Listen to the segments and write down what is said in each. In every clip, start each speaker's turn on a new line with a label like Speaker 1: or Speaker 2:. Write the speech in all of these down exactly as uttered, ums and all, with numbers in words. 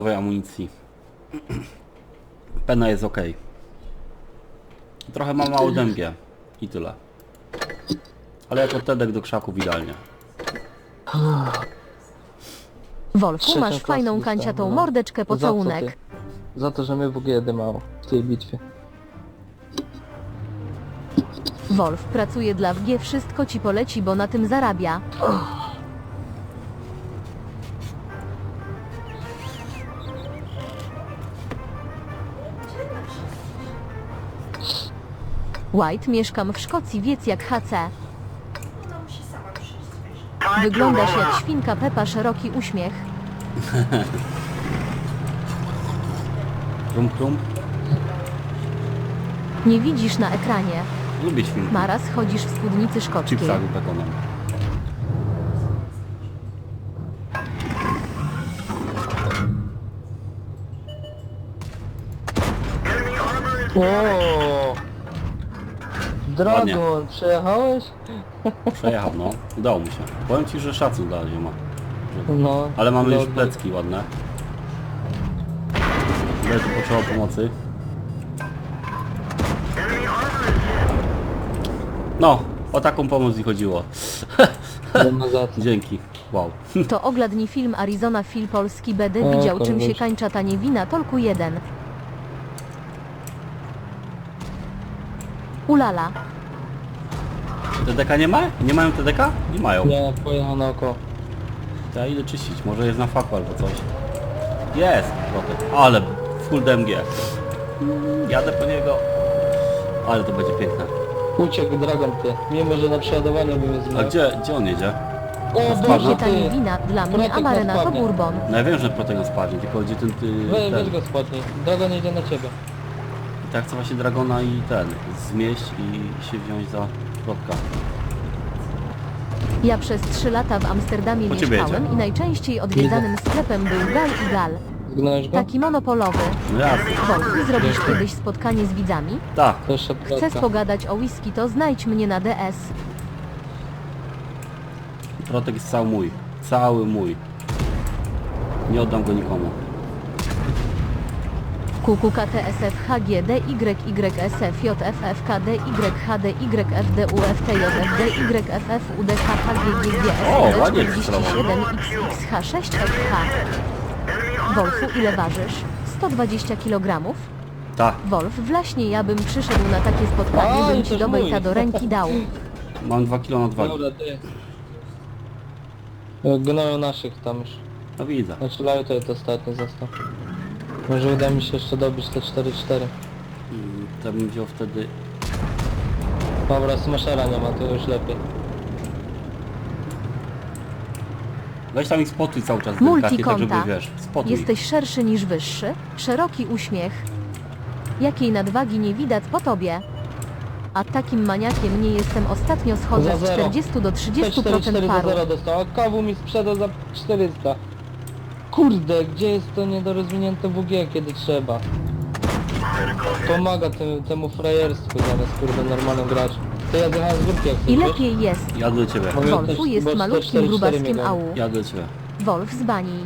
Speaker 1: amunicji. Pena jest ok. Trochę ma mało D M G i tyle. Ale jako tedek do krzaków idealnie.
Speaker 2: Wolfu,
Speaker 3: Trzecią
Speaker 2: masz
Speaker 3: klasę
Speaker 2: fajną
Speaker 3: dostałem,
Speaker 2: kanciatą
Speaker 3: no.
Speaker 2: mordeczkę,
Speaker 3: Za co
Speaker 2: pocałunek.
Speaker 3: ty? Za to, że my w G D mało w tej bitwie.
Speaker 2: Wolf pracuje dla W G, wszystko ci poleci, bo na tym zarabia. White, mieszkam w Szkocji, wiec jak H C. Wyglądasz jak świnka Pepa, szeroki uśmiech.
Speaker 1: Krum krum.
Speaker 2: Nie widzisz na ekranie.
Speaker 1: Lubię świnki.
Speaker 2: Maraz, chodzisz w spódnicy szkockiej.
Speaker 1: Chipsa z bekonem.
Speaker 3: O! Dragon, przejechałeś?
Speaker 1: Przejechał, no. Udało mi się. Powiem ci, że szacun dla zioma.
Speaker 3: No.
Speaker 1: Ale mamy już
Speaker 3: dobra.
Speaker 1: plecki ładne. Leży potrzeba pomocy. No, o taką pomoc mi chodziło.
Speaker 3: Nie ma za co.
Speaker 1: Dzięki. Wow.
Speaker 2: To ogladni film Arizona Phil Polski B D
Speaker 3: O,
Speaker 2: widział czym
Speaker 3: koleś.
Speaker 2: się kańcza ta niewina, tolku jeden. Ulala.
Speaker 1: T D K nie ma? Nie mają T D K? Nie mają.
Speaker 3: Nie, pojechał naokoło.
Speaker 1: To ja idę czyścić, może jest na faku albo coś. Jest! Trochę. Ale full D M G. Mm, Jadę po niego. Ale to będzie piękne.
Speaker 3: Uciekł Dragon ty, mimo że na przeładowaniu bym je
Speaker 1: A
Speaker 3: zmienił.
Speaker 1: gdzie, gdzie on jedzie?
Speaker 3: O
Speaker 1: Spadł?
Speaker 3: Boże
Speaker 2: Ta
Speaker 3: ty!
Speaker 2: niewina, dla mnie
Speaker 3: Protek
Speaker 2: Amarena to
Speaker 3: spadnie.
Speaker 2: Bourbon.
Speaker 1: No ja wiem, że Protegon spadnie, tylko gdzie ten... Ty,
Speaker 3: We,
Speaker 1: ten.
Speaker 3: weź go spodnij, Dragon jedzie na ciebie.
Speaker 1: I tak chcę właśnie Dragona i ten, zmieść i się wziąć za Protka.
Speaker 2: Ja przez trzy lata w Amsterdamie
Speaker 1: Po ciebie
Speaker 2: mieszkałem
Speaker 1: jedzie.
Speaker 2: i najczęściej odwiedzanym sklepem był Gal i Gal.
Speaker 3: Zgnałeś go?
Speaker 2: Taki monopolowy.
Speaker 1: No jasne.
Speaker 2: Wolfu, zrobisz
Speaker 3: Dziękuję.
Speaker 2: kiedyś spotkanie z widzami?
Speaker 1: Tak.
Speaker 3: To jeszcze
Speaker 2: Chcesz
Speaker 3: plotka.
Speaker 2: pogadać o whisky, to znajdź mnie na D S.
Speaker 1: Protek jest cały mój. Cały mój. Nie oddam go nikomu.
Speaker 2: Q Q K T S F H G D Y Y S F J F F K D Y H D Y F D U F T J F D Y F F U D H H G G G
Speaker 1: O,
Speaker 2: S
Speaker 1: ładnie
Speaker 2: czterdzieści siedem X X H sześć F H. Wolfu, ile ważysz? sto dwadzieścia kilogramów?
Speaker 1: Tak.
Speaker 2: Wolf, właśnie ja bym przyszedł na takie spotkanie,
Speaker 3: A,
Speaker 2: bym
Speaker 3: i
Speaker 2: ci
Speaker 3: też
Speaker 2: do
Speaker 3: mój.
Speaker 2: bejta do ręki dał.
Speaker 1: Mam dwa kilo nadwagi.
Speaker 3: Dobra, ty. Gnoją naszych tam już.
Speaker 1: No widzę.
Speaker 3: Znaczy Lajto to ostatni został. Może uda mi się jeszcze dobić te cztery cztery.
Speaker 1: Mm, To bym wziął wtedy...
Speaker 3: Dobra, smashera nie ma, to już lepiej.
Speaker 1: Weź tam ich spotuj cały czas delikatnie, tak żeby
Speaker 2: Multikonta.
Speaker 1: wiesz, spotuj.
Speaker 2: Jesteś szerszy niż wyższy? Szeroki uśmiech. Jakiej nadwagi nie widać po tobie? A takim maniakiem nie jestem, ostatnio schodzę
Speaker 3: Za
Speaker 2: z
Speaker 3: zero.
Speaker 2: czterdzieści do trzydziestu
Speaker 3: cztery
Speaker 2: procent
Speaker 3: cztery do
Speaker 2: paru.
Speaker 3: zera dostał, a kawu mi sprzedał za czterysta. Kurde, gdzie jest to niedorozwinięte W G, kiedy trzeba? Pomaga tym, temu frajerstwu zamiast kurde normalnym graczom. To ja zjechałem z górki jak
Speaker 2: I
Speaker 3: chcesz,
Speaker 2: lepiej jest.
Speaker 1: Jadę do ciebie.
Speaker 3: Bo ja
Speaker 2: Wolfu
Speaker 3: też-
Speaker 2: jest
Speaker 3: bo
Speaker 2: malutkim
Speaker 3: cztery cztery
Speaker 2: grubaskiem
Speaker 3: miałem.
Speaker 2: ału.
Speaker 1: Jadę do ciebie.
Speaker 2: Wolf z bani.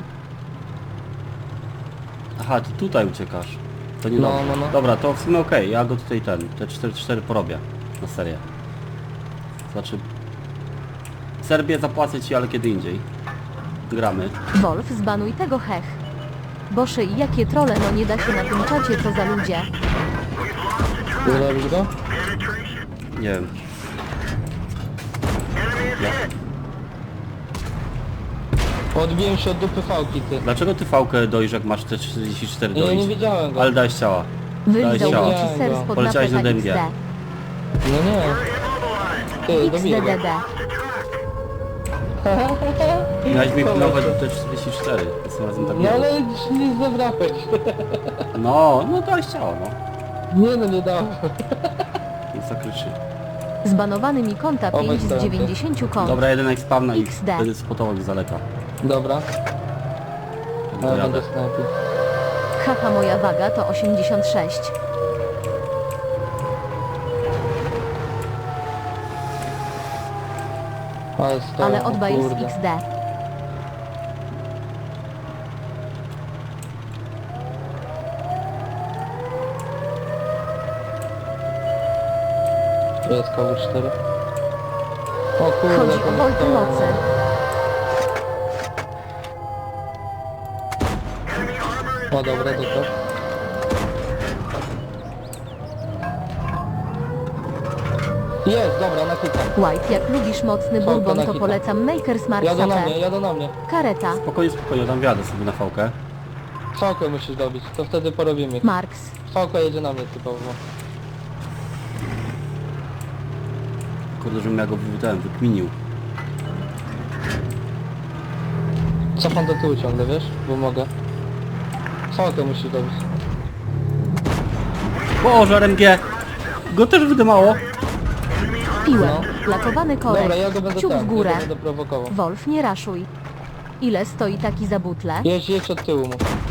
Speaker 1: Aha, ty tutaj uciekasz. To nie
Speaker 3: No,
Speaker 1: dobrze.
Speaker 3: no, no.
Speaker 1: Dobra, to w sumie okej, ja go tutaj ten, te cztery cztery porobię na serię. Znaczy... Serbię zapłacę ci, ale kiedy indziej. Gramy.
Speaker 2: Wolf, zbanuj tego hech. Boże, i jakie trole, no nie da się na tym czacie, co za ludzie.
Speaker 3: Zrobisz go?
Speaker 1: Nie wiem. Ja.
Speaker 3: Odbiłem się od dupy fałki, ty.
Speaker 1: Dlaczego ty fałkę dojrz, jak masz te czterdzieści cztery
Speaker 3: Nie, nie
Speaker 1: dojść?
Speaker 3: wiedziałem go.
Speaker 1: Ale dałeś ciała.
Speaker 2: Wylizał
Speaker 1: ciała.
Speaker 2: ci ser spod
Speaker 1: Poleciałeś
Speaker 2: napęda
Speaker 1: na D M G.
Speaker 2: X
Speaker 3: No nie. Ty,
Speaker 2: D.
Speaker 3: dobiję go.
Speaker 2: X D D D.
Speaker 1: Miałeś mi pilnować te czterdzieści cztery. To razem tak
Speaker 3: No
Speaker 1: było.
Speaker 3: ale nie zebrałeś.
Speaker 1: No, no dałeś ciało, no.
Speaker 3: Nie no, nie dałem.
Speaker 1: Nic zakryczy.
Speaker 2: Zbanowany mi konta
Speaker 3: O,
Speaker 2: pięć z
Speaker 3: weź
Speaker 2: dziewięćdziesięciu kont.
Speaker 1: Dobra, jeden jak spawna i
Speaker 2: X D.
Speaker 1: wtedy spotował z daleka.
Speaker 3: Dobra,
Speaker 1: To
Speaker 3: ale
Speaker 1: jadę.
Speaker 3: będę snajpił.
Speaker 2: Haha, moja waga to osiemdziesiąt sześć.
Speaker 3: Ale, stoją,
Speaker 2: Ale
Speaker 3: o
Speaker 2: odba jest
Speaker 3: kurde.
Speaker 2: X D.
Speaker 3: To jest K W cztery. O kurde,
Speaker 2: Chodzi
Speaker 3: to
Speaker 2: o wolty
Speaker 3: to-
Speaker 2: mocy.
Speaker 3: O dobra, to to. Jest, dobra, na hita.
Speaker 2: White, jak lubisz mocny
Speaker 3: Fałka
Speaker 2: bourbon,
Speaker 3: na
Speaker 2: to
Speaker 3: hita.
Speaker 2: polecam Maker's Mark
Speaker 3: Jadą na
Speaker 2: Sache.
Speaker 3: mnie, jadą na mnie.
Speaker 2: Kareta.
Speaker 1: Spokojnie, spokojnie, tam wjadę sobie na fałkę.
Speaker 3: Fałkę musisz dobić, to wtedy porobimy.
Speaker 2: Marks.
Speaker 3: Fałka jedzie na mnie typowo.
Speaker 1: Kurde, żebym ja go ten wykminił.
Speaker 3: Cofam do tyłu ciągle, wiesz? Bo mogę. Fałkę musisz dobić.
Speaker 1: Boże, R M G! Go też wydymało.
Speaker 2: Piłem.
Speaker 3: No.
Speaker 2: Lakowany korek.
Speaker 3: Dobra, ja go będę
Speaker 2: Kciuk
Speaker 3: tak,
Speaker 2: w górę.
Speaker 3: ja go będę prowokował.
Speaker 2: Wolf, nie raszuj. Ile stoi taki za butle?
Speaker 3: Jedź, jedź od tyłu mu.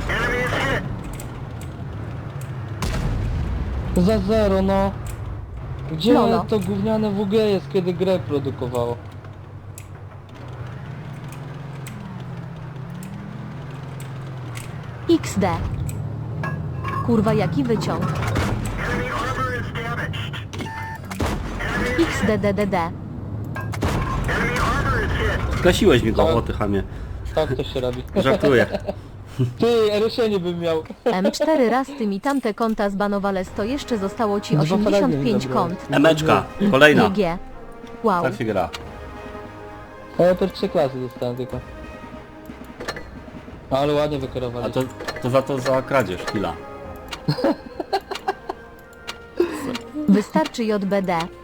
Speaker 3: Za zero, no. Gdzie
Speaker 2: Lolo.
Speaker 3: to gówniane W G jest, kiedy grę produkowało?
Speaker 2: X D. Kurwa, jaki wyciąg. X D D D D.
Speaker 1: Zgasiłeś mi go,
Speaker 3: Tak.
Speaker 1: o ty chamie.
Speaker 3: Tak to się robi.
Speaker 1: Żartuję.
Speaker 3: Ty, erysienie bym miał.
Speaker 2: M cztery raz ty mi tamte konta zbanowales, to jeszcze zostało ci
Speaker 3: Dwa
Speaker 2: osiemdziesiąt
Speaker 3: fragi
Speaker 2: pięć
Speaker 3: zabrałem.
Speaker 2: kont.
Speaker 1: Emeczka, kolejna.
Speaker 2: G G. Wow.
Speaker 1: Tak się gra.
Speaker 3: A ja per trzy klasy dostałem tylko. Ale ładnie
Speaker 1: A
Speaker 3: wykierowali.
Speaker 1: to, to za to za kradzież, chwila.
Speaker 2: Wystarczy J B D.